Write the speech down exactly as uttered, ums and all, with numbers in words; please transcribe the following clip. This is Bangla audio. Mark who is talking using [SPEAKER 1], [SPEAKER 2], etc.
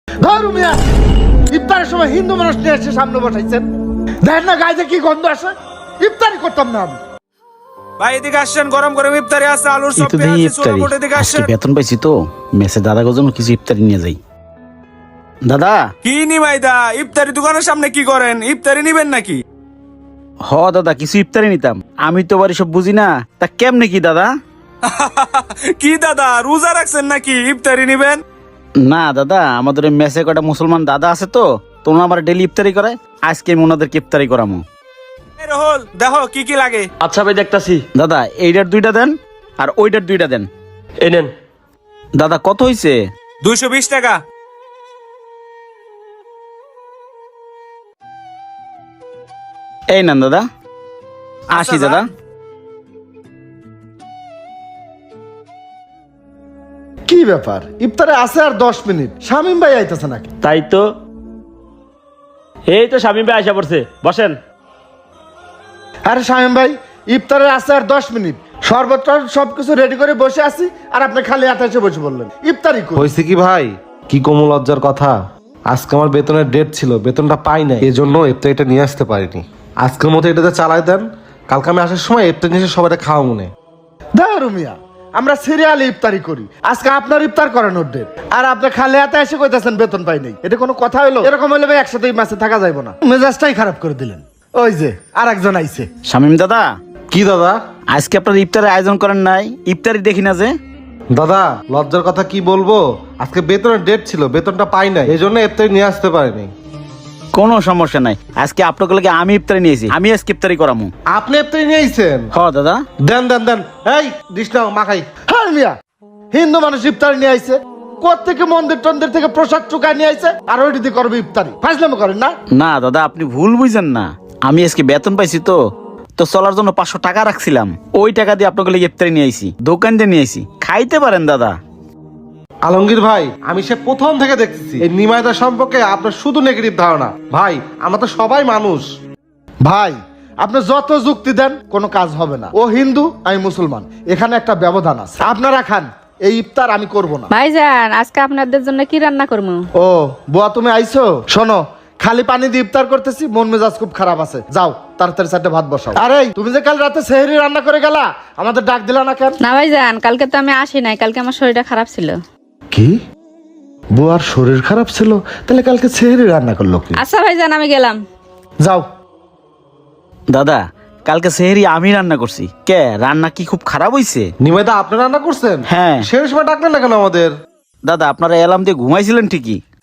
[SPEAKER 1] ধরু মিয়া, ইফতারের সময় হিন্দু মানুষ নিয়ে এসে সামনে বসাইছেন, দেখেন না গায়ে কি গন্ধ আসে। ইফতারি করতাম না আমি।
[SPEAKER 2] ভাই এদিকে আসছেন, গরম গরম ইফতারি আছে, আলুর
[SPEAKER 3] এই
[SPEAKER 2] চপ
[SPEAKER 3] তো দেখি
[SPEAKER 2] আছে,
[SPEAKER 3] ইফতারি।
[SPEAKER 2] ছোলা বড় এদিকে
[SPEAKER 3] আজকে
[SPEAKER 2] আসছেন।
[SPEAKER 3] বেতন পাইছি তো, মেসে দাদার জন্য কিছু ইফতারি নিয়ে যাই। দাদা
[SPEAKER 2] কি নি ভাইদা, ইফতারি দোকানের সামনে কি করেন? ইফতারি নিবেন নাকি?
[SPEAKER 3] হ দাদা, কিছু ইফতারি নিতাম। আমি তো বাড়ি সব বুঝি না, তা কেমনে কি দাদা?
[SPEAKER 2] কি দাদা রোজা রাখছেন নাকি ইফতারি নিবেন?
[SPEAKER 3] না দাদা, আমাদের ওই মেসে কটা মুসলমান দাদা আছে তো, তোমরা আমার ডেলি ইফতারি করে, আজকে আমি ওনাদেরকে ইফতারি করামো।
[SPEAKER 2] এই রহল দেখো কি কি লাগে।
[SPEAKER 4] আচ্ছা ভাই দেখতাছি।
[SPEAKER 3] দাদা এইটার দুইটা দেন আর ওইটার দুইটা দেন।
[SPEAKER 4] এই নেন।
[SPEAKER 3] দাদা কত হইছে?
[SPEAKER 2] দুইশো বিশ টাকা।
[SPEAKER 3] এই নেন দাদা, আসি দাদা।
[SPEAKER 1] কি ব্যাপার, ইফতারে আছে আর দশ মিনিট, শামিম ভাই আইতেছে নাকি?
[SPEAKER 4] তাই তো, এই তো শামীম ভাই আশা পড়ছে, বসেন।
[SPEAKER 1] আরে শামিম ভাই, ইফতারের আছে আর দশ মিনিট, শরবত সবকিছু রেডি করে বসে আছি, আর আপনি খালি হাতে এসে বসে বললেন ইফতারি করি।
[SPEAKER 5] হয়েছে কি ভাই, কি কোমল লজ্জার কথা। আজকে আমার বেতনের ডেট ছিল, বেতনটা পাই নাই, এই জন্য ইফতারিটা নিয়ে আসতে পারিনি। আজকের মতো এটাতে চালাই দেন, কালকে আমি আসার সময় ইফতার নিয়ে এসে সবাই খাওয়া মনে।
[SPEAKER 1] ধরু মিয়া, আমরা সিরিয়ালে ইফতারি করি, আজকে আপনার ইফতার করানোর ডেট, আর আপনি খালি হাতে এসে কইতাছেন বেতন পাই নাই। এটা কোনো কথা হলো? এরকম হলে ভাই একসাথে মাসে থাকা যাইব না। মেজাজটাই খারাপ করে দিলেন। ওই যে আর একজন আইছে।
[SPEAKER 3] শামিম দাদা,
[SPEAKER 5] কি দাদা?
[SPEAKER 3] আজকে আপনার ইফতারের আয়োজন করেন নাই? ইফতারি দেখি না যে।
[SPEAKER 5] দাদা লজ্জার কথা কি বলবো, আজকে বেতনের ডেট ছিল, বেতনটা পাই নাই, এই জন্য ইফতারি নিয়ে আসতে পারিনি।
[SPEAKER 3] কোনো সমস্যা নাই, আজকে আপনার লাগে আমি ইফতারি নিয়েছি, আমি আজকে ইফতারি করামু।
[SPEAKER 5] আপনি ইফতারি নিয়ে আইছেন?
[SPEAKER 3] হ দাদা।
[SPEAKER 5] দেন দেন দেন, এই দিস নাও মাখাই।
[SPEAKER 1] হ্যাঁ মিয়া, হিন্দু মানুষ ইফতারি নিয়ে আইছে, কোত্থেকে মন্দির টন্দির থেকে প্রসাদ চুকায় নিয়ে আইছে, আর ওইটি দিয়ে করবে ইফতারি। ফাজলামো করেন না?
[SPEAKER 3] না দাদা, আপনি ভুল বুঝেন না, আমি আজকে বেতন পাইছি তো তো চলার জন্য পাঁচশো টাকা রাখছিলাম, ওই টাকা দিয়ে আপনাকে লাগে ইফতারি নিয়ে আইছি, দোকান দিয়ে নিয়ে আইছি, খাইতে পারেন দাদা।
[SPEAKER 5] আলমগীর ভাই, আমি সে প্রথম থেকে দেখতেছি এই নিমাইদা সম্পর্কে আপনার শুধু নেগেটিভ ধারণা। ভাই আমরা তো সবাই মানুষ।
[SPEAKER 1] ভাই আপনি যত যুক্তি দেন কোনো কাজ হবে না। ও হিন্দু, আমি মুসলমান, এখানে একটা ব্যবধান আছে। আপনারা খান, এই ইফতার আমি করব না।
[SPEAKER 6] ভাইজান, আজকে আপনাদের জন্য কি রান্না করবো?
[SPEAKER 1] ও বুয়া, তুমি আইছো? শোনো, খালি পানি দিয়ে ইফতার করতেছি, মন মেজাজ খুব খারাপ আছে। যাও তাড়াতাড়ি চারটে ভাত বসাও। আরে তুমি যে কাল রাতে সেহরি রান্না করে গেলা, আমাদের ডাক দিলা না কেন?
[SPEAKER 6] না ভাইজান, কালকে তো আমি আসি নাই, কালকে আমার শরীরটা খারাপ ছিল।
[SPEAKER 1] কি, বুয়ার শরীর খারাপ ছিল? তাহলে কালকে সেহরি রান্না করলো কি?
[SPEAKER 6] আচ্ছা ভাইজান, আমি গেলাম।
[SPEAKER 1] যাও।
[SPEAKER 3] দাদা কালকে সেহরি আমি রান্না করছি। কে, রান্না কি খুব খারাপ হইছে?
[SPEAKER 5] নিমাইদা আপনি রান্না করছেন?
[SPEAKER 3] হ্যাঁ।
[SPEAKER 5] সেই সময় ডাকলেন না কেন আমাদের?
[SPEAKER 3] দাদা আপনারা এলাম দিয়ে ঘুমাইছিলেন ঠিকই,